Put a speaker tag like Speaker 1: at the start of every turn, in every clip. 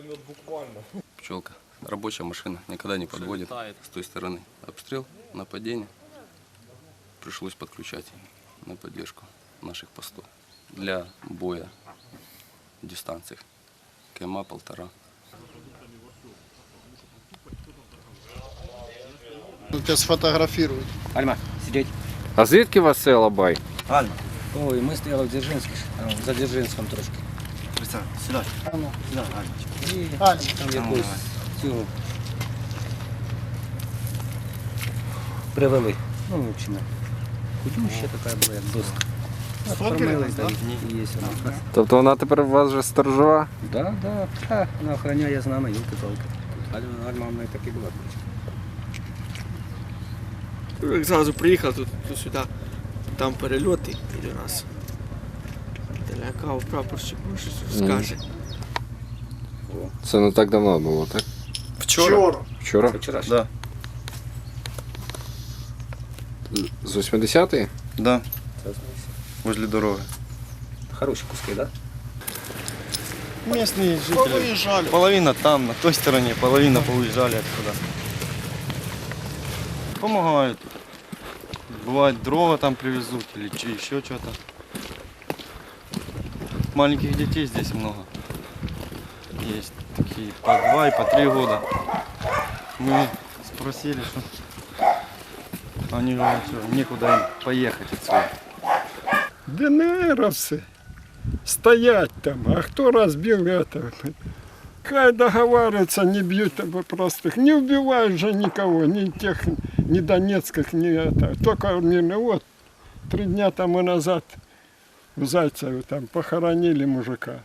Speaker 1: поймет буквально.
Speaker 2: Пчелка, рабочая машина, никогда не подводит. С той стороны обстрел, нападение. Пришлось подключать на поддержку наших постов. Для боя в дистанциях. КМА 1,5.
Speaker 3: Тебя сфотографируют.
Speaker 4: Альма, сидеть.
Speaker 5: А звідки у вас це Алабай?
Speaker 4: Альма. Ой, ми стояли в Дзержинську, за Дзержинськом трошки. Сюди. Сюди, Альмочка. І там якусь цю привели. Ну, в общем, худюща така була, як доска. Откормились, да, і є вона.
Speaker 5: Тобто вона тепер у вас вже сторожова?
Speaker 4: Да, да, вона охороняє з нами, юлки-палки. Альма в мене так і була.
Speaker 6: Як зразу приїхав тут сюди, там перельоти і до нас. Лякав прапорщик, може щось скаже.
Speaker 5: Це не так давно було, так?
Speaker 3: Вчора.
Speaker 5: Вчора?
Speaker 4: Це вчора.
Speaker 7: Да,
Speaker 5: З 80-ї?
Speaker 7: да, возле дороги.
Speaker 4: Хороші куски, да?
Speaker 3: Местные жители. Выезжали.
Speaker 7: Половина там, на той стороне, половина поуезжали отсюда. Помогают. Бывает дрова там привезут или еще что-то. Маленьких детей здесь много. Есть такие по 2 и по 3 года. Мы спросили, что они говорят, что некуда им поехать отсюда.
Speaker 8: ДНРовцы стоять там, а кто разбил это? Хай договариваются, не бьют простых, не убивают же никого, ни тех, ни донецких, ни это. Только мирно, вот, 3 дня тому назад в Зайцеве там похоронили мужика.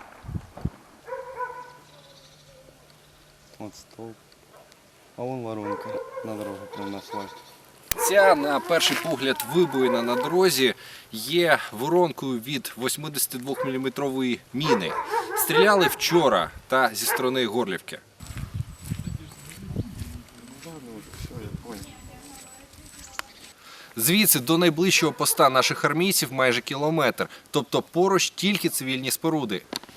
Speaker 7: Вот столб. А вон воронка на дорогу прямо на асфальт.
Speaker 1: Ця, на перший погляд, вибоїна на дорозі є воронкою від 82-мм міни. Стріляли вчора та зі сторони Горлівки. Звідси до найближчого поста наших армійців майже кілометр, тобто поруч тільки цивільні споруди.